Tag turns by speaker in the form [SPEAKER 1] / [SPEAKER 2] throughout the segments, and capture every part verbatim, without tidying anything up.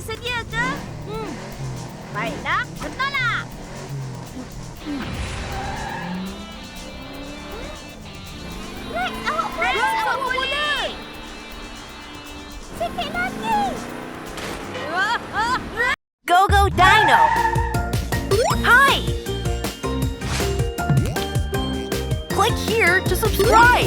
[SPEAKER 1] bersedia ke? Hmm. Baiklah, benarlah.
[SPEAKER 2] Rex, awak boleh.
[SPEAKER 1] Rex, awak boleh.
[SPEAKER 2] Sikit lagi.
[SPEAKER 1] Ah, ah, ah.
[SPEAKER 3] Go Go Dino! Hi! Click here to subscribe!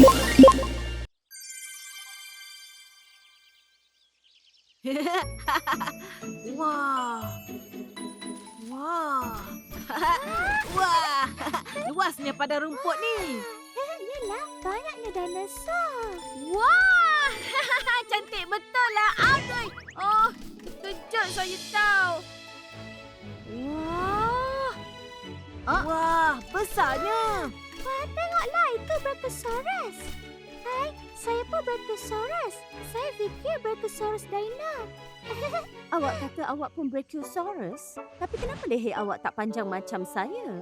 [SPEAKER 1] Wah. Wah. Wah. Luasnya pada rumput ni.
[SPEAKER 2] Yelah, banyaknya dinosaur.
[SPEAKER 1] Wah. Cantik betul lah. Aduh. Oh, kejut saya tahu. Wah. Ah. Wah, besarnya.
[SPEAKER 2] Wah, tengoklah itu Brachiosaurus. Hai, saya pun Brachiosaurus. Saya fikir Brachiosaurus Dino.
[SPEAKER 4] Awak kata awak pun Brachiosaurus? Tapi kenapa leher awak tak panjang macam saya?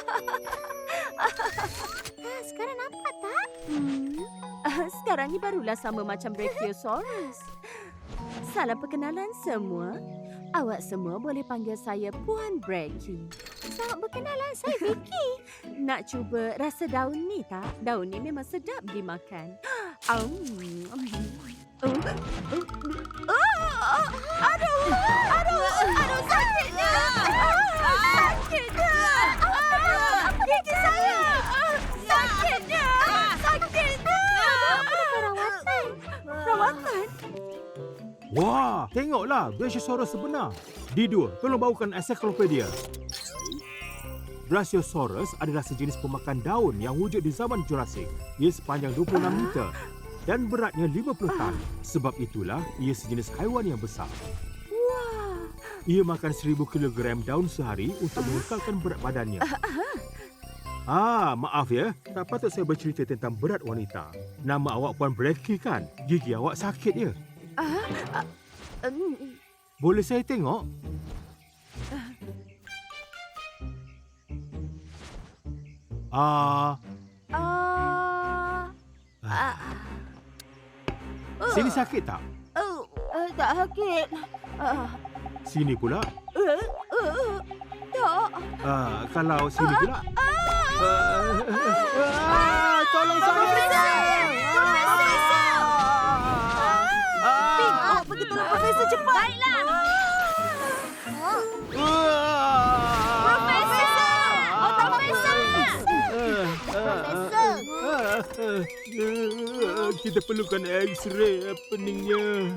[SPEAKER 2] Ah, sekarang nampak tak?
[SPEAKER 4] Hmm. Ah, sekarang ni barulah sama macam Brachiosaurus. Salam perkenalan semua. Awak semua boleh panggil saya Puan Brachie.
[SPEAKER 2] Selamat berkenalan, saya Vicky.
[SPEAKER 4] Nak cuba rasa daun ni tak? Daun ni memang sedap dimakan. Um, um. Oh, oh, oh, aduh, aduh, aduh, sakitnya. Ah, sakitnya.
[SPEAKER 2] Apa gigi saya?
[SPEAKER 4] Sakitnya. Sakitnya.
[SPEAKER 2] Apa perawatan?
[SPEAKER 4] Rawatan?
[SPEAKER 5] Wah, tengoklah Brachiosaurus sebenar. Dido, tolong bawakan ensiklopedia. Brachiosaurus adalah sejenis pemakan daun yang wujud di zaman Jurassik. Ia sepanjang dua puluh enam meter dan beratnya lima puluh tan. Sebab itulah ia sejenis haiwan yang besar.
[SPEAKER 4] Wah.
[SPEAKER 5] Ia makan seribu kilogram daun sehari untuk mengekalkan berat badannya. Ah, maaf ya. Tak patut saya bercerita tentang berat wanita. Nama awak Puan Brachie kan? Gigi awak sakit ya?
[SPEAKER 4] Ah, ah, um,
[SPEAKER 5] Boleh saya tengok? Ah,
[SPEAKER 4] ah, ah,
[SPEAKER 5] sini sakit tak?
[SPEAKER 4] oh, uh, tak sakit. Ah,
[SPEAKER 5] Sini pula?
[SPEAKER 4] uh, uh, tak.
[SPEAKER 5] Ah, kalau sini pula? Ah, ah, tolong saya!
[SPEAKER 1] Ping, awak pergi tolong Profesor cepat. Baiklah.
[SPEAKER 5] Kita perlukan X-ray peningnya.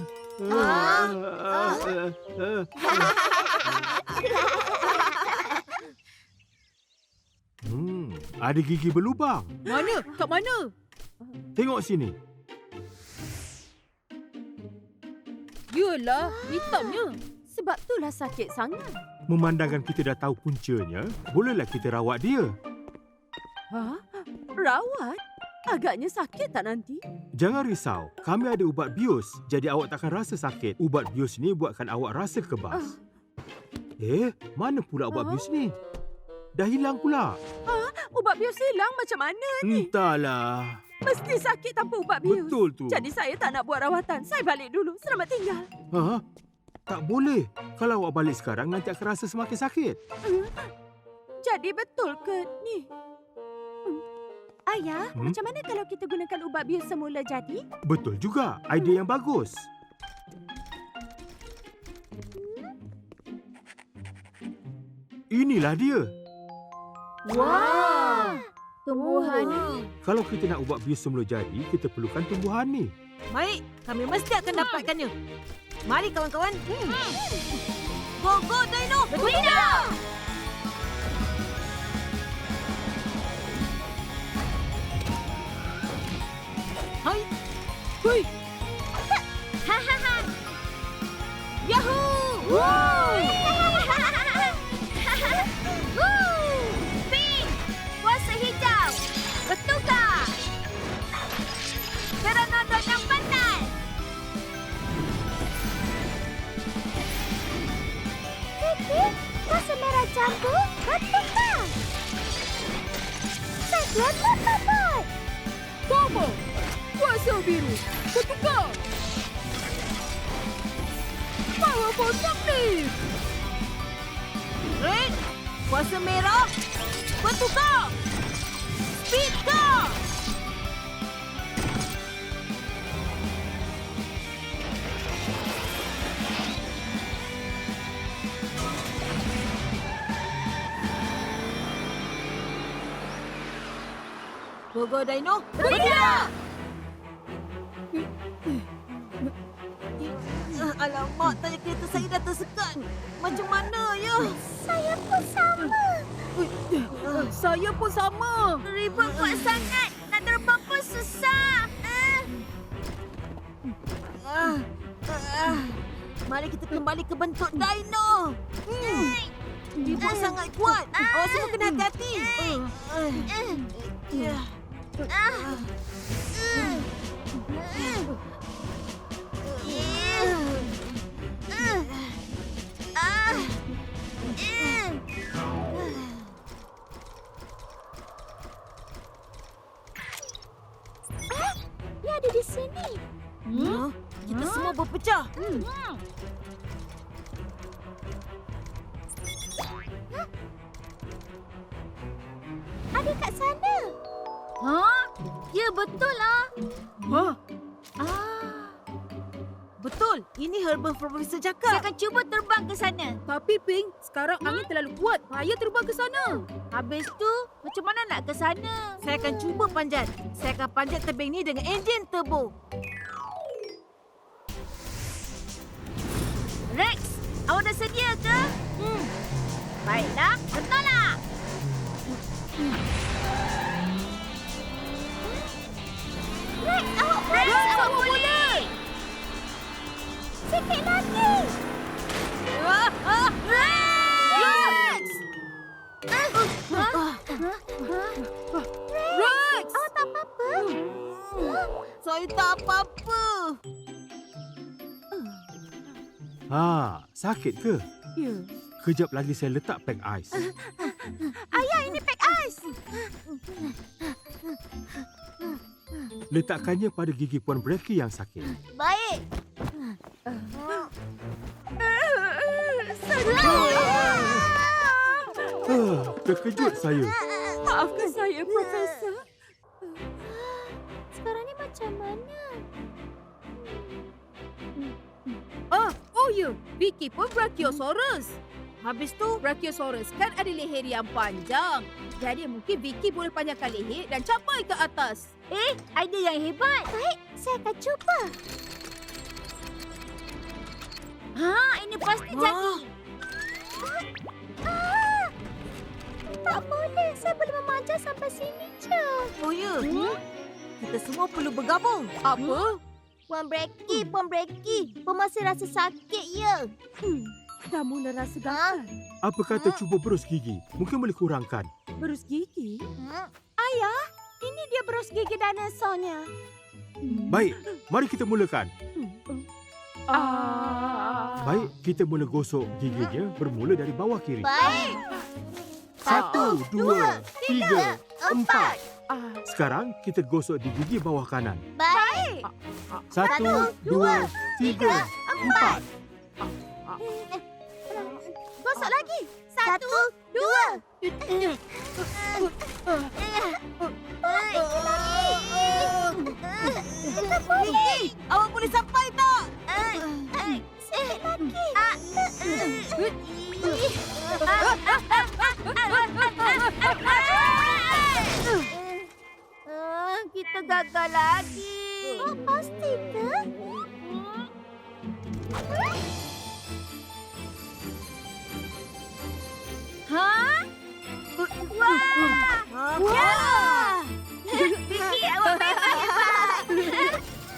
[SPEAKER 5] Hmm, ada gigi berlubang.
[SPEAKER 1] Mana? Kat mana?
[SPEAKER 5] Tengok sini.
[SPEAKER 1] Yalah, hitamnya.
[SPEAKER 4] Sebab itulah sakit sangat.
[SPEAKER 5] Memandangkan kita dah tahu puncanya, bolehlah kita rawat dia.
[SPEAKER 4] Ha? Rawat? Agaknya sakit tak nanti?
[SPEAKER 5] Jangan risau, kami ada ubat bius, jadi awak takkan rasa sakit. Ubat bius ni buatkan awak rasa kebas. Eh, mana pula ubat bius ni? Dah hilang pula.
[SPEAKER 4] Ubat bius hilang macam mana ni?
[SPEAKER 5] Entahlah.
[SPEAKER 4] Mesti sakit tanpa ubat bius.
[SPEAKER 5] Betul tu.
[SPEAKER 4] Jadi saya tak nak buat rawatan. Saya balik dulu. Selamat tinggal.
[SPEAKER 5] Ha? Tak boleh. Kalau awak balik sekarang, nanti akan rasa semakin sakit.
[SPEAKER 4] Hmm? Jadi betul ke ni? Hmm. Ayah,
[SPEAKER 5] Hmm?
[SPEAKER 4] macam mana kalau kita gunakan ubat bius semula jadi?
[SPEAKER 5] Betul juga. Idea yang bagus. Inilah dia.
[SPEAKER 1] Wah.
[SPEAKER 2] Tumbuhan ni.
[SPEAKER 5] Kalau kita nak ubat bius semula jadi, kita perlukan tumbuhan ni.
[SPEAKER 1] Baik, kami mesti akan dapatkannya. Mari kawan-kawan. Hmm. Go, go, Dino! Dino! Hai! Hui!
[SPEAKER 2] Ha ha ha.
[SPEAKER 1] Yahoo!
[SPEAKER 2] Woo! Pink, kuasa hijau. Bertukar. Pteranodon yang pandai. Vicky, kuasa merah jambu. Bertukar. Cyclone Metapod.
[SPEAKER 1] Bobo! Kuasa biru! Bertukar!
[SPEAKER 2] Power
[SPEAKER 4] banyak ni.
[SPEAKER 1] Red, kuasa merah, bertukar. Speed car. Go-go Dino, bergerak! Ah, Alamak, tayar kereta saya dah tersekat. Macam mana ya?
[SPEAKER 2] Saya pun sama.
[SPEAKER 4] Saya pun sama.
[SPEAKER 2] Ribut kuat sangat. Nak terbang pun susah. Ah.
[SPEAKER 1] Ah, ah. Mari kita kembali ke bentuk dino. Hmm. Ribut sangat kuat. Awak semua kena hati-hati. Ah, ah. Ya.
[SPEAKER 2] Ah. Ah. Ah, dia ada di sini.
[SPEAKER 1] Hmm? Kita semua berpecah.
[SPEAKER 2] Ada kat sana. Ha? Ya, betul lah.
[SPEAKER 4] Ha?
[SPEAKER 2] Ah.
[SPEAKER 1] Betul. Ini Herbal Professor
[SPEAKER 2] Saya
[SPEAKER 1] cakap.
[SPEAKER 2] akan cuba terbang ke sana.
[SPEAKER 4] Tapi Pink, sekarang angin terlalu kuat. Bahaya terbang ke sana.
[SPEAKER 2] Habis tu, macam mana nak ke sana?
[SPEAKER 1] Saya akan cuba panjat. Saya akan panjat tebing ni dengan enjin turbo.
[SPEAKER 2] Rex, awak dah sedia ke? Hmm. Baiklah, benarlah. Rex, awak boleh. Rex, awak boleh. Sikit lagi.
[SPEAKER 1] Ah, ah.
[SPEAKER 2] Rex!
[SPEAKER 1] Ah,
[SPEAKER 2] Rex! Awak tak apa-apa?
[SPEAKER 1] saya tak apa-apa.
[SPEAKER 5] Ha, sakit ke?
[SPEAKER 4] Ya.
[SPEAKER 5] Kejap lagi saya letak pack ais.
[SPEAKER 2] Ayah, ini pack ais.
[SPEAKER 5] Letakkannya pada gigi Puan Bracky yang sakit.
[SPEAKER 2] Baik.
[SPEAKER 5] Ah, terkejut saya.
[SPEAKER 4] Maafkan saya, Profesor.
[SPEAKER 2] Sekarang ni macam mana?
[SPEAKER 4] Ah, oh ya. Vicky pun Brachiosaurus.
[SPEAKER 1] Habis tu,
[SPEAKER 4] Brachiosaurus kan ada leher yang panjang. Jadi mungkin Vicky boleh panjangkan leher dan capai ke atas.
[SPEAKER 2] Eh, idea yang hebat. Baik, saya akan cuba. Ha, ini pasti
[SPEAKER 1] Wah.
[SPEAKER 2] jadi. Ah, tak boleh. Saya boleh memanjat sampai sini je.
[SPEAKER 1] oh ya. Kita semua perlu bergabung.
[SPEAKER 4] Apa?
[SPEAKER 2] Puan Bracky, Puan Bracky. Puan masih rasa sakit, ya?
[SPEAKER 4] Hmm, dah mula rasa gatal.
[SPEAKER 5] Apa kata cuba berus gigi? Mungkin boleh kurangkan.
[SPEAKER 4] Berus gigi?
[SPEAKER 2] Hmm?
[SPEAKER 4] Ini dia berus gigi dinosaurnya.
[SPEAKER 5] Baik, mari kita mulakan.
[SPEAKER 4] Ah.
[SPEAKER 5] Baik, kita mula gosok giginya bermula dari bawah kiri.
[SPEAKER 2] Baik.
[SPEAKER 5] Satu, dua, tiga, empat.
[SPEAKER 4] Ah.
[SPEAKER 5] Sekarang kita gosok di gigi bawah kanan.
[SPEAKER 2] Baik.
[SPEAKER 5] Satu, dua, tiga, empat.
[SPEAKER 2] Gosok lagi. Satu, dua. Kita boleh.
[SPEAKER 1] Awak boleh sampai tak?
[SPEAKER 2] Sikit lagi. Kita gagal lagi. Oh, pasti ke? Hah? Wah!
[SPEAKER 1] Wah!
[SPEAKER 2] Vicky, awak memang hebat.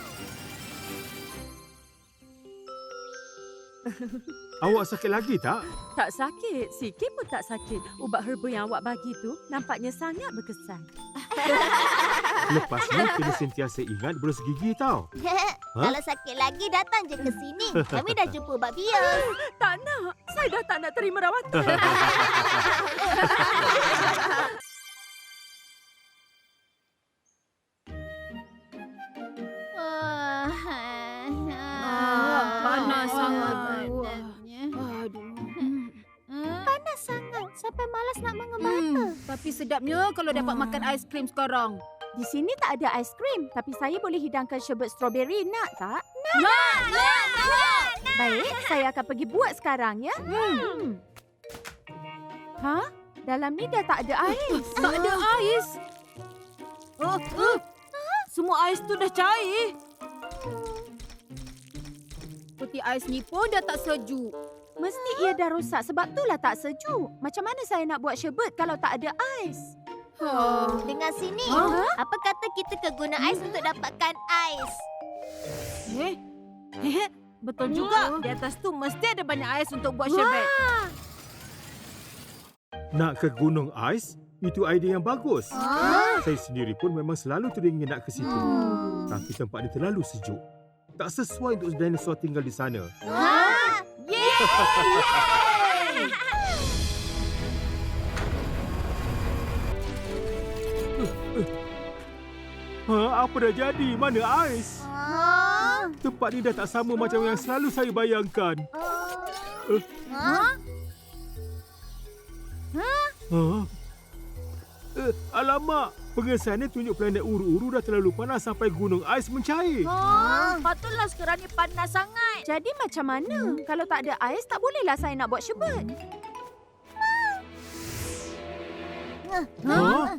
[SPEAKER 5] Awak sakit lagi tak?
[SPEAKER 4] Tak sakit. Sikit pun tak sakit. Ubat herba yang awak bagi tu nampaknya sangat berkesan.
[SPEAKER 5] Lepas ni kena sentiasa ingat berus gigi tau.
[SPEAKER 2] Kalau sakit lagi, datang je ke sini. Kami dah jumpa ubat bios.
[SPEAKER 4] Tak nak. Saya dah tak nak terima rawatan.
[SPEAKER 2] Ah,
[SPEAKER 4] panas sangat.
[SPEAKER 2] Wah. sampai malas nak mengembara.
[SPEAKER 4] Hmm, tapi sedapnya kalau dapat makan aiskrim sekarang.
[SPEAKER 2] Di sini tak ada aiskrim, tapi saya boleh hidangkan syabet strawberry. Nak tak?
[SPEAKER 4] Nak, nak, nak.
[SPEAKER 2] Baik, saya akan pergi buat sekarang ya.
[SPEAKER 4] Hmm.
[SPEAKER 2] Ha? Dalam ni dah tak ada ais.
[SPEAKER 4] Tak ada ais.
[SPEAKER 1] Oh, oh. Semua ais tu dah cair.
[SPEAKER 4] Peti ais ni pun dah tak sejuk.
[SPEAKER 2] Mesti ia dah rosak sebab itulah tak sejuk. Macam mana saya nak buat syabet kalau tak ada ais?
[SPEAKER 4] Oh.
[SPEAKER 6] Dengar sini.
[SPEAKER 2] Ha?
[SPEAKER 6] Apa kata kita ke gunung ais untuk dapatkan ais?
[SPEAKER 1] Eh? Hehe, betul juga. Di atas tu mesti ada banyak ais untuk buat syabet.
[SPEAKER 5] Nak ke gunung ais? Itu idea yang bagus.
[SPEAKER 6] Ah.
[SPEAKER 5] Saya sendiri pun memang selalu teringin nak ke situ.
[SPEAKER 6] Hmm.
[SPEAKER 5] Tapi tempat dia terlalu sejuk. Tak sesuai untuk dinosaur tinggal di sana.
[SPEAKER 6] Ha?
[SPEAKER 5] Ha, apa dah jadi? Mana ais?
[SPEAKER 6] Ha?
[SPEAKER 5] Tempat ni dah tak sama macam yang selalu saya bayangkan.
[SPEAKER 6] Ha?
[SPEAKER 5] Ha? Eh, alamak, pengesahannya tunjuk planet Uru-Uru dah terlalu panas sampai gunung ais mencair.
[SPEAKER 6] Ha? Patutlah sekarang ni panas sangat.
[SPEAKER 2] Jadi macam mana? Kalau tak ada ais, tak bolehlah saya nak buat syabet.
[SPEAKER 5] Ha?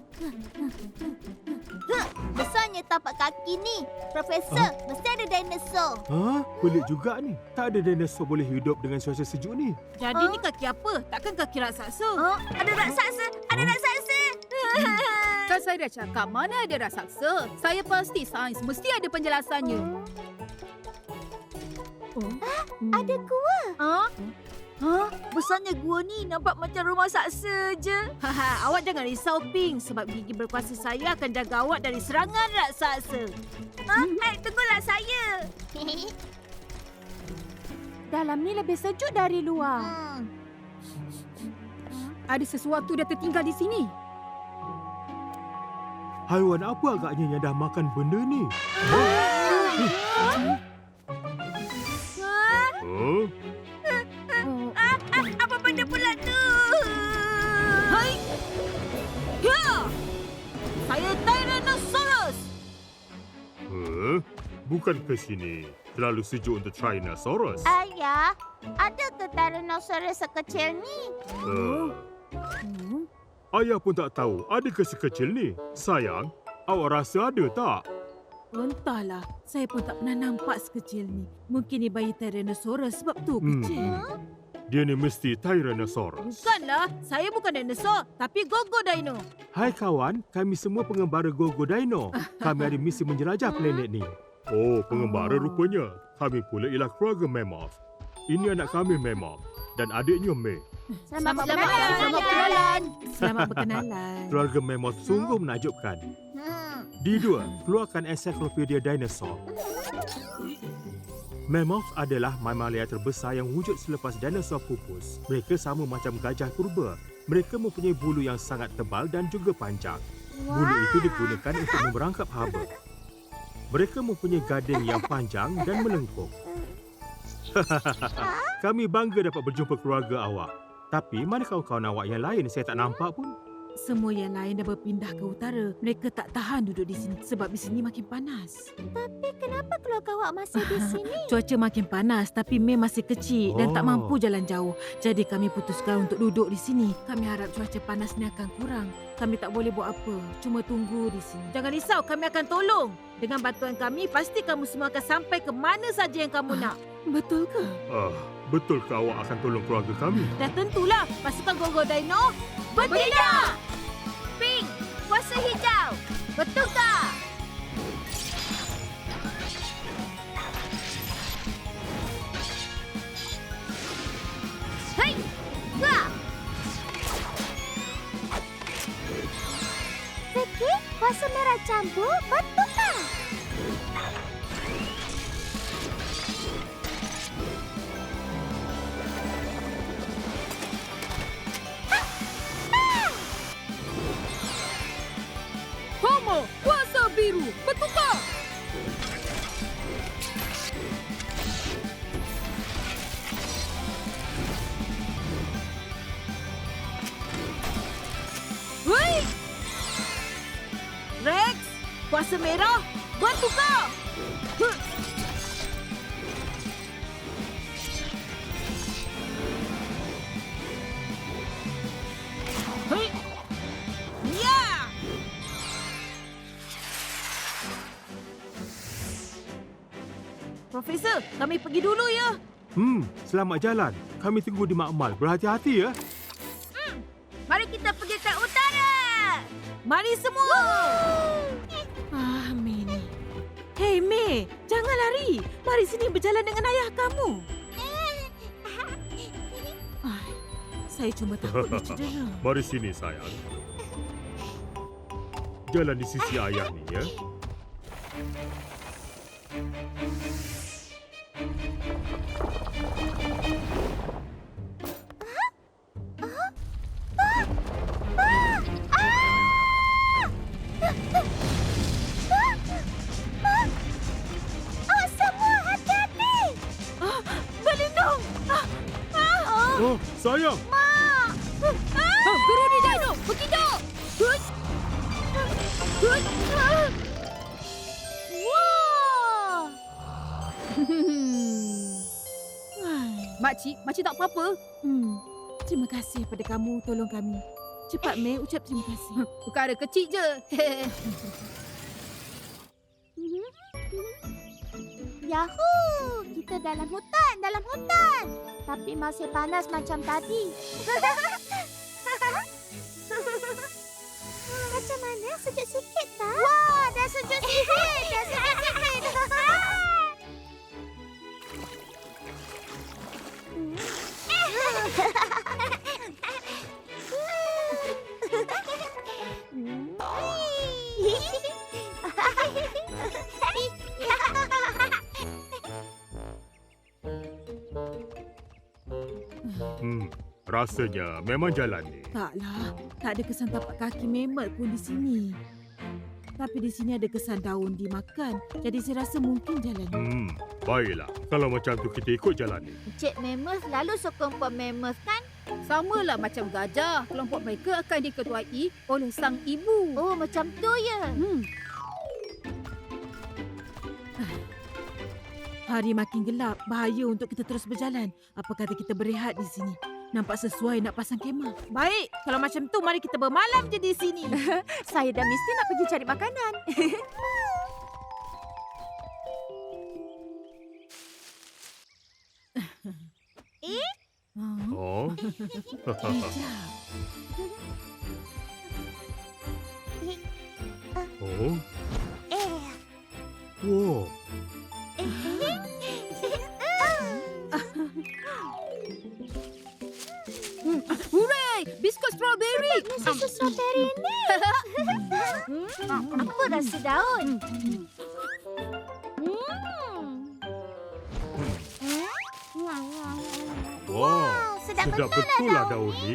[SPEAKER 6] Besarnya tapak kaki ni. Profesor, mesti ada dinosaur.
[SPEAKER 5] Ha? Pelik juga ni. Tak ada dinosaur boleh hidup dengan cuaca sejuk ni.
[SPEAKER 1] Jadi ni kaki apa? Takkan kaki raksasa?
[SPEAKER 6] Ha? Ada raksasa! Ada raksasa!
[SPEAKER 4] Kan saya dah cakap mana ada raksasa. Saya pasti sains mesti ada penjelasannya.
[SPEAKER 2] Ada gua.
[SPEAKER 6] Ha? Ha? Besarnya gua ni nampak macam rumah saksa je.
[SPEAKER 1] Haha, awak jangan risau, Pink. Sebab gigi berkuasa saya akan jaga awak dari serangan raksasa.
[SPEAKER 6] Ha? Eh, tunggulah saya.
[SPEAKER 2] Dalam ni lebih sejuk dari luar.
[SPEAKER 6] Hmm.
[SPEAKER 4] Ada sesuatu dah tertinggal di sini.
[SPEAKER 5] Haiwan apa agaknya yang dah makan benda ni? Ha? Ha?
[SPEAKER 6] Apa benda pula tu?
[SPEAKER 1] Hai! Ya! Saya Tyrannosaurus!
[SPEAKER 5] Ha? Bukan ke sini. Terlalu sejuk untuk Tyrannosaurus.
[SPEAKER 6] Ayah, ada ke Tyrannosaurus sekecil ni?
[SPEAKER 5] Uh. Ayah pun tak tahu ada ke sekecil ni. Sayang, awak rasa ada tak?
[SPEAKER 1] Entahlah, saya pun tak pernah nampak sekecil ni. Mungkin ni bayi Tyrannosaurus sebab tu
[SPEAKER 5] Hmm.
[SPEAKER 1] kecil.
[SPEAKER 5] Dia ni mesti Tyrannosaurus.
[SPEAKER 1] Bukanlah, saya bukan dinosaur, tapi Gogo Dino.
[SPEAKER 5] Hai kawan, kami semua pengembara Gogo Dino. Kami ada misi menjelajah planet ni. Oh, pengembara rupanya. Kami pula ialah keluarga Mammoth. Ini anak kami Mammoth dan adiknya May.
[SPEAKER 2] Selamat,
[SPEAKER 6] Selamat
[SPEAKER 2] berkenalan.
[SPEAKER 6] Selamat berkenalan.
[SPEAKER 1] Selamat berkenalan.
[SPEAKER 5] Keluarga Mammoth sungguh menakjubkan.
[SPEAKER 6] Hmm.
[SPEAKER 5] D dua, keluarkan ensiklopedia dinosaur. Mammoth adalah mamalia terbesar yang wujud selepas dinosaur pupus. Mereka sama macam gajah purba. Mereka mempunyai bulu yang sangat tebal dan juga panjang. Bulu itu digunakan untuk memerangkap haba. Mereka mempunyai gading yang panjang dan melengkung. Kami bangga dapat berjumpa keluarga awak. Tapi mana kawan-kawan awak yang lain? Saya tak nampak pun.
[SPEAKER 1] Semua yang lain dah berpindah ke utara. Mereka tak tahan duduk di sini sebab di sini makin panas.
[SPEAKER 2] Tapi kenapa keluarga awak masih di sini?
[SPEAKER 1] Cuaca makin panas tapi May masih kecil dan tak
[SPEAKER 5] Oh.
[SPEAKER 1] mampu jalan jauh. Jadi kami putuskan untuk duduk di sini. Kami harap cuaca panas ni akan kurang. Kami tak boleh buat apa. Cuma tunggu di sini. Jangan risau, kami akan tolong. Dengan bantuan kami, pasti kamu semua akan sampai ke mana saja yang kamu nak. Betul ke?
[SPEAKER 5] Ah, betul ke awak akan tolong keluarga kami?
[SPEAKER 1] Dah tentulah. Pasukan Gogo Dino bertindak!
[SPEAKER 6] Pink, kuasa hijau. Bertukar. Hei, wah.
[SPEAKER 2] Vicky, kuasa merah campur bertukar.
[SPEAKER 4] Homo, kuasa biru, bertukar!
[SPEAKER 1] rasa merah, bertukar. Huh. Hei. Ya. Profesor, kami pergi dulu ya.
[SPEAKER 5] Hmm, selamat jalan. Kami tunggu di makmal. Berhati-hati ya.
[SPEAKER 6] Mari kita pergi ke utara.
[SPEAKER 1] Mari semua. Ah, Mei ni. Hei, Mei. Jangan lari. Mari sini berjalan dengan ayah kamu. Ah, saya cuma takut dia cedera.
[SPEAKER 5] Mari sini, sayang. Jalan di sisi ayah ni ya.
[SPEAKER 2] Oh, semua hati-hati.
[SPEAKER 1] Ah, berlindung. Ah, ah.
[SPEAKER 5] Oh, sayang.
[SPEAKER 1] Ah, Geruni Dino, berkidak. Hut. Hut. Ah.
[SPEAKER 2] Wah.
[SPEAKER 1] Ai.
[SPEAKER 4] Makcik, makcik tak apa-apa.
[SPEAKER 1] Hmm. Terima kasih pada kamu tolong kami. Cepat, Mei, ucap terima kasih.
[SPEAKER 4] Perkara kecil je.
[SPEAKER 2] Yahoo! Kita dalam hutan, dalam hutan. Tapi masih panas macam tadi. Macam mana? Sejuk sikit tak? Wah, dah sejuk sikit. Dah sejuk sikit.
[SPEAKER 5] Hmm, rasanya memang jalan ni.
[SPEAKER 1] Taklah, tak ada kesan tapak kaki memel pun di sini. Tapi di sini ada kesan daun dimakan. Jadi saya rasa mungkin jalan ni.
[SPEAKER 5] Hmm, baiklah. Kalau macam tu kita ikut jalan ni.
[SPEAKER 6] Encik Mammoth lalu sokong Puan Mammoth kan?
[SPEAKER 4] Samalah macam gajah. Kelompok mereka akan diketuai oleh sang ibu.
[SPEAKER 6] Oh, macam tu ya.
[SPEAKER 4] Hmm.
[SPEAKER 1] Hari makin gelap, bahaya untuk kita terus berjalan. Apa kata kita berehat di sini? Nampak sesuai nak pasang kemah. Baik, kalau macam tu mari kita bermalam je di sini.
[SPEAKER 4] Saya dah mesti nak pergi cari makanan.
[SPEAKER 5] Oh.
[SPEAKER 1] Hijab.
[SPEAKER 5] Oh.
[SPEAKER 2] Eh.
[SPEAKER 5] Wow.
[SPEAKER 4] Hooray! Biskut strawberry.
[SPEAKER 2] Susu strawberry ni. Apa rasa daun? Hmm.
[SPEAKER 5] Wow.
[SPEAKER 2] Sedap
[SPEAKER 5] Sedap
[SPEAKER 2] betul
[SPEAKER 5] betul lah daun ni.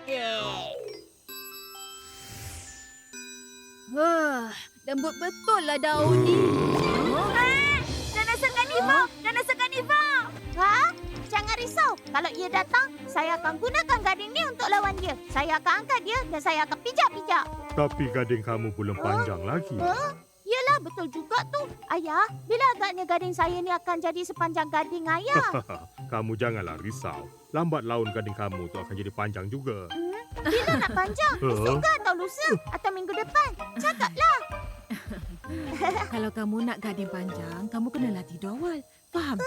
[SPEAKER 4] Wah, lembut betul lah daun ni.
[SPEAKER 2] Dinosaur karnivor! Dinosaur karnivor! Ha? Jangan risau. Kalau ia datang, saya akan gunakan gading ni untuk lawan dia. Saya akan angkat dia dan saya akan pijak-pijak.
[SPEAKER 5] Tapi gading kamu belum panjang lagi.
[SPEAKER 2] Huh? Yelah, betul juga tu. Ayah, bila agaknya gading saya ni akan jadi sepanjang gading ayah?
[SPEAKER 5] Kamu janganlah risau. Lambat laun gading kamu tu akan jadi panjang juga.
[SPEAKER 2] Hmm? Bila nak panjang? Esok ke atau lusa? Atau minggu depan? Cakaplah.
[SPEAKER 1] Kalau kamu nak gading panjang, kamu kenalah tidur awal. Faham?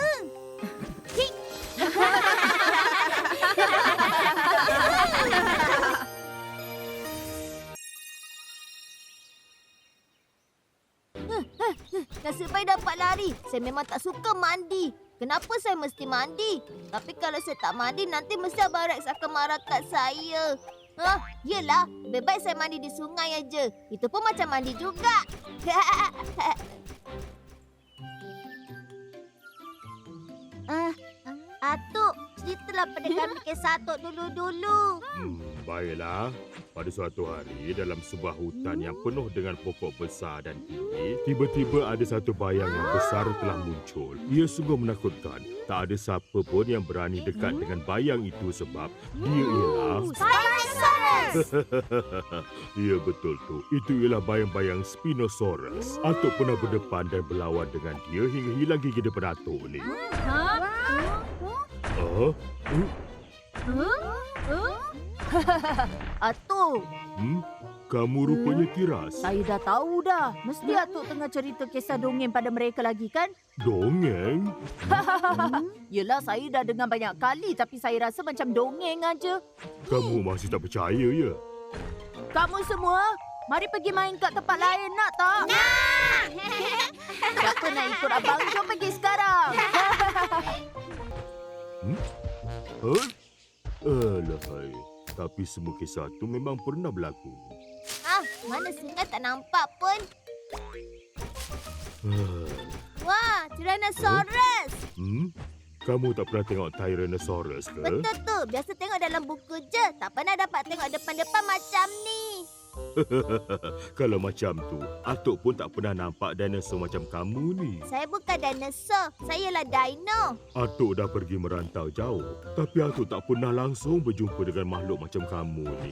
[SPEAKER 6] Nasib baik dapat lari. Saya memang tak suka mandi. Kenapa saya mesti mandi? Tapi kalau saya tak mandi, nanti mesti Abang Rex akan marah kat saya. Hah? Yelah, lebih baik saya mandi di sungai aja. Itu pun macam mandi juga.
[SPEAKER 2] Ah, Atuk,
[SPEAKER 6] Itulah pendekar kisah Atuk dulu-dulu.
[SPEAKER 5] Hmm, baiklah. Pada suatu hari, dalam sebuah hutan yang penuh dengan pokok besar dan tinggi, tiba-tiba ada satu bayang yang besar telah muncul. Ia sungguh menakutkan. Tak ada siapa pun yang berani dekat dengan bayang itu sebab dia ialah...
[SPEAKER 6] Spinosaurus!
[SPEAKER 5] Ya, betul tu. Itu ialah bayang-bayang Spinosaurus. Atuk pernah berdepan dan berlawan dengan dia hingga hilang gigi depan Atuk ni.
[SPEAKER 1] Ha?
[SPEAKER 5] Ah?
[SPEAKER 4] Atuk,
[SPEAKER 5] Hmm? Kamu rupanya tiras.
[SPEAKER 4] saya dah tahu dah. Mesti Atuk tengah cerita kisah dongeng pada mereka lagi kan?
[SPEAKER 5] Dongeng?
[SPEAKER 4] Yelah, saya dah dengar banyak kali tapi saya rasa macam dongeng aja.
[SPEAKER 5] Kamu masih tak percaya ya?
[SPEAKER 4] Kamu semua, mari pergi main kat tempat lain nak tak?
[SPEAKER 6] Nah!
[SPEAKER 4] Siapa nak ikut abang? Jom pergi sekarang.
[SPEAKER 5] Huh? Alahai. Tapi semua kisah tu memang pernah berlaku.
[SPEAKER 6] Ah, mana singa tak nampak pun.
[SPEAKER 5] Ah,
[SPEAKER 6] Wah, Tyrannosaurus.
[SPEAKER 5] Hmm? Kamu tak pernah tengok Tyrannosaurus ke?
[SPEAKER 6] Betul tu. Biasa tengok dalam buku je. Tak pernah dapat tengok depan-depan macam ni.
[SPEAKER 5] Kalau macam tu, Atuk pun tak pernah nampak dinosaur macam kamu ni.
[SPEAKER 6] Saya bukan dinosaur. Saya lah dino.
[SPEAKER 5] Atuk dah pergi merantau jauh. Tapi Atuk tak pernah langsung berjumpa dengan makhluk macam kamu ni.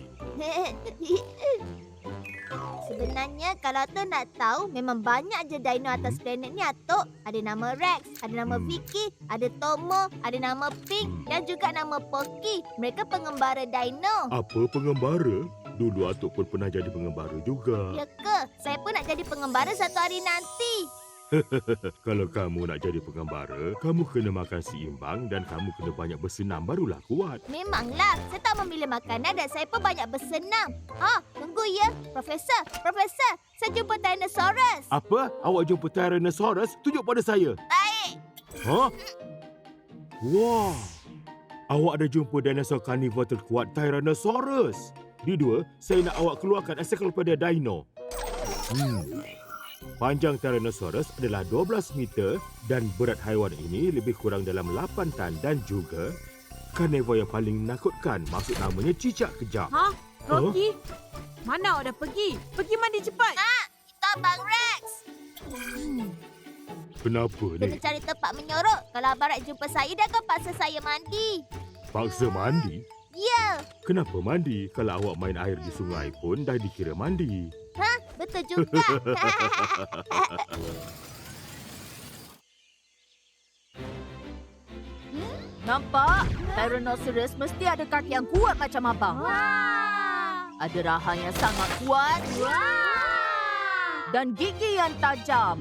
[SPEAKER 6] Sebenarnya kalau Atuk nak tahu, memang banyak je dino atas planet ni, Atuk. Ada nama Rex, ada nama
[SPEAKER 5] Hmm.
[SPEAKER 6] Vicky, ada Tomo, ada nama Pink
[SPEAKER 5] Hmm.
[SPEAKER 6] dan juga nama Poki. Mereka pengembara dino.
[SPEAKER 5] Apa pengembara? Dulu Atuk pun pernah jadi pengembara juga.
[SPEAKER 6] Ya ke? Saya pun nak jadi pengembara satu hari nanti.
[SPEAKER 5] Kalau kamu nak jadi pengembara, kamu kena makan seimbang dan kamu kena banyak bersenam barulah kuat.
[SPEAKER 6] Memanglah, saya tak memilih makanan dan saya pun banyak bersenam. Ah, tunggu ya. Profesor, Profesor, saya jumpa Tyrannosaurus.
[SPEAKER 5] Apa? Awak jumpa Tyrannosaurus? Tunjuk pada saya.
[SPEAKER 6] Baik.
[SPEAKER 5] Hah? Wah! Awak ada jumpa dinosaur karnivor terkuat Tyrannosaurus. Di dua, saya nak awak keluarkan ensiklopedia dino. Hmm. Panjang Tyrannosaurus adalah dua belas meter dan berat haiwan ini lebih kurang dalam lapan tan dan juga karnivor yang paling menakutkan. Maksud namanya cicak kejam.
[SPEAKER 1] Ha? Rocky? Mana awak dah pergi? Pergi mandi cepat.
[SPEAKER 6] Itu Abang Rex.
[SPEAKER 5] Kenapa
[SPEAKER 6] Kena
[SPEAKER 5] ni?
[SPEAKER 6] cari tempat menyorok. Kalau Abang Rex jumpa saya, dia akan paksa saya mandi.
[SPEAKER 5] Paksa mandi?
[SPEAKER 6] Ya,
[SPEAKER 5] Kenapa mandi? Kalau awak main air di sungai pun dah dikira mandi.
[SPEAKER 6] betul juga.
[SPEAKER 4] Nampak? Tyrannosaurus mesti ada kaki yang kuat macam abang.
[SPEAKER 6] Wah.
[SPEAKER 4] Ada rahang yang sangat kuat dan gigi yang tajam.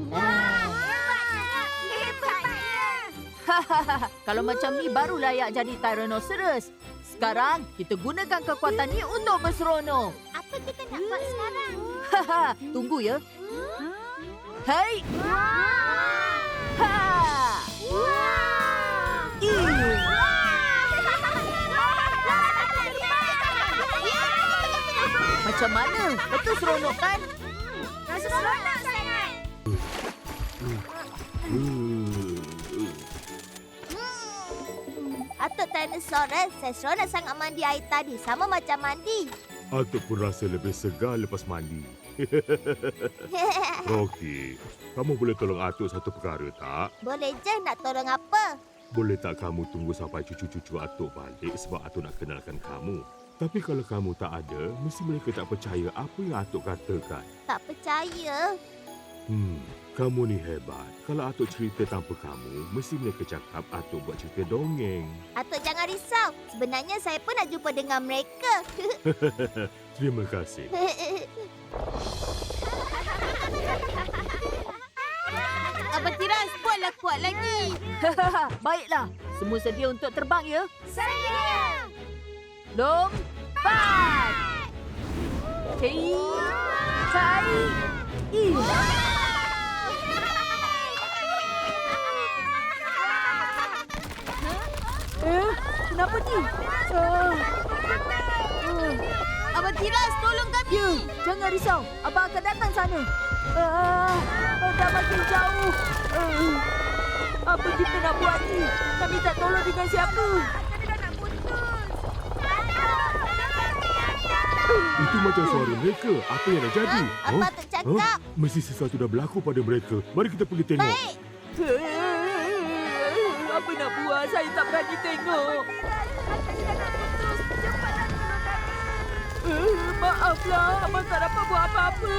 [SPEAKER 4] Kalau macam ni baru layak jadi Tyrannosaurus. Sekarang kita gunakan kekuatan ni untuk berseronok.
[SPEAKER 6] Apa kita nak buat sekarang?
[SPEAKER 4] Tunggu ya. Hei! Ha! Ih! Macam mana? Betul seronok kan?
[SPEAKER 6] Rasa seronok sangat.
[SPEAKER 5] Hmm.
[SPEAKER 6] Atuk Tyrannosaurus, saya seronok sangat mandi air tadi. Sama macam mandi.
[SPEAKER 5] Atuk pun rasa lebih segar lepas mandi. Rocky, kamu boleh tolong Atuk satu perkara tak?
[SPEAKER 6] Boleh je, nak tolong apa?
[SPEAKER 5] Boleh tak kamu tunggu sampai cucu-cucu Atuk balik sebab Atuk nak kenalkan kamu. Tapi kalau kamu tak ada, mesti mereka tak percaya apa yang Atuk katakan.
[SPEAKER 6] Tak percaya.
[SPEAKER 5] Hmm, kamu ni hebat. Kalau Atuk cerita tanpa kamu, mesti mereka cakap Atuk buat cerita dongeng.
[SPEAKER 6] Atuk jangan risau. Sebenarnya saya pun nak jumpa dengan mereka.
[SPEAKER 5] Terima kasih.
[SPEAKER 1] Abang Tiras, buatlah kuat lagi.
[SPEAKER 4] Baiklah, semua sedia untuk terbang ya?
[SPEAKER 6] Saya.
[SPEAKER 4] Lompat! Cai! Cai! Ih! Eh, kenapa ni? Uh,
[SPEAKER 1] Abang Tiras, tolong kami.
[SPEAKER 4] ya, jangan risau. Abang akan datang sana. Uh, dah makin jauh. Uh, apa kita nak buat ni? Kami tak tolong dengan siapa?
[SPEAKER 5] Itu macam suara mereka. Apa yang dah jadi?
[SPEAKER 2] Ha? Apa Atuk cakap?
[SPEAKER 5] Mesti sesuatu dah berlaku pada mereka. Mari kita pergi tengok.
[SPEAKER 2] Baik.
[SPEAKER 4] Apa nak buat? Saya tak berani tengok. Eh, maaflah, Abang tak dapat buat apa-apa.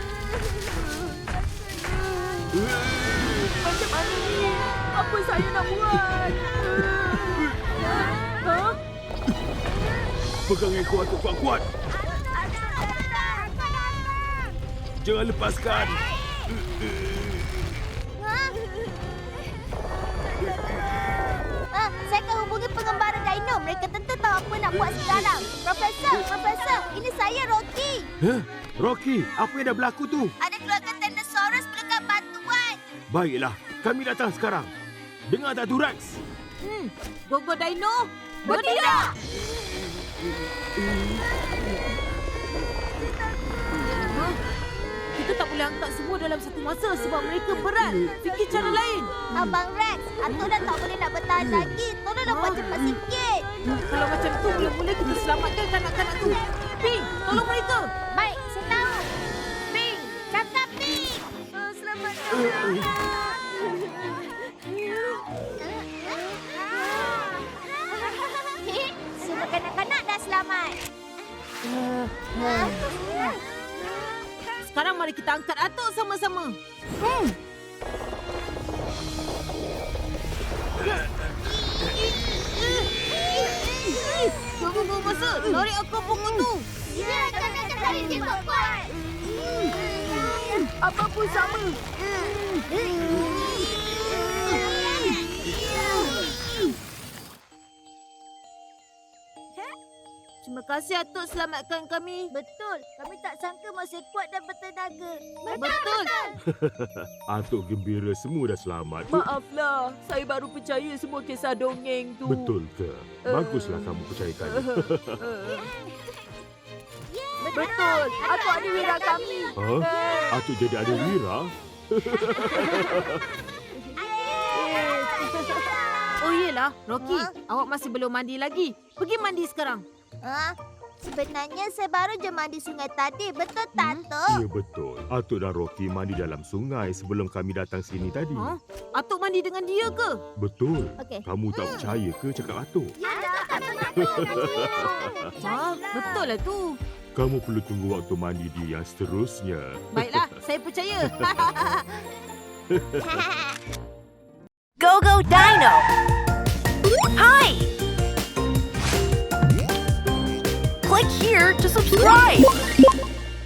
[SPEAKER 4] Macam mana ni? Apa saya nak buat? Ha?
[SPEAKER 5] Pegang ekor Atuk kuat-kuat. Jangan lepaskan.
[SPEAKER 2] Ah, saya akan hubungi pengembara dino. Mereka tentu tahu apa nak buat sekarang. Profesor, Profesor, ini saya Rocky.
[SPEAKER 5] Huh? Rocky, apa yang dah berlaku tu?
[SPEAKER 2] Ada keluarga Tyrannosaurus perlukan bantuan.
[SPEAKER 5] Baiklah, kami datang sekarang. Dengar tak tu, Rex?
[SPEAKER 1] Hmm, Gogo Dino.
[SPEAKER 2] Bertindak!
[SPEAKER 1] Ha? Kita tak boleh angkat semua dalam satu masa sebab mereka berat. Fikir cara lain.
[SPEAKER 2] Abang Rex, Atuk dah tak boleh nak bertahan lagi. Tolonglah buat cepat sikit.
[SPEAKER 1] Kalau macam tu, mula-mula kita selamatkan kanak-kanak tu. Ping, tolong mereka.
[SPEAKER 2] Baik, saya tahu. Ping, cakap Ping. Oh, selamat datang. Semua kanak-kanak dah selamat.
[SPEAKER 1] Sekarang mari kita angkat Atuk sama-sama. Tunggu masa. Tarik aku pokok tu.
[SPEAKER 2] Ya, jangan tarik dia tak kuat.
[SPEAKER 4] Apa pun sama.
[SPEAKER 1] Terima kasih Atuk selamatkan kami.
[SPEAKER 2] Betul, kami tak sangka masih kuat dan bertenaga.
[SPEAKER 1] Betul.
[SPEAKER 5] Atuk gembira semua dah selamat.
[SPEAKER 4] Maaflah, saya baru percaya semua kisah dongeng tu.
[SPEAKER 5] Betul ke? Baguslah kamu percayakan.
[SPEAKER 4] Betul. Aku ada wira kami.
[SPEAKER 5] Ha? Atuk jadi ada wira?
[SPEAKER 1] Oh iyalah, Rocky.
[SPEAKER 2] Ha?
[SPEAKER 1] Awak masih belum mandi lagi. Pergi mandi sekarang.
[SPEAKER 2] Ah, sebenarnya saya baru je mandi sungai tadi. Betul tak,
[SPEAKER 1] Hmm?
[SPEAKER 2] Tok?
[SPEAKER 5] Ya betul. Atuk dan Rocky mandi dalam sungai sebelum kami datang sini tadi.
[SPEAKER 1] Ha? Atuk mandi dengan dia ke?
[SPEAKER 5] Betul.
[SPEAKER 2] Okey.
[SPEAKER 5] Kamu tak percaya ke cakap Atuk?
[SPEAKER 2] Ya,
[SPEAKER 1] Ha? Betul lah tu.
[SPEAKER 5] Kamu perlu tunggu waktu mandi dia yang seterusnya.
[SPEAKER 1] Baiklah, saya percaya.
[SPEAKER 3] Go Go Dino! Hi! Click here to subscribe!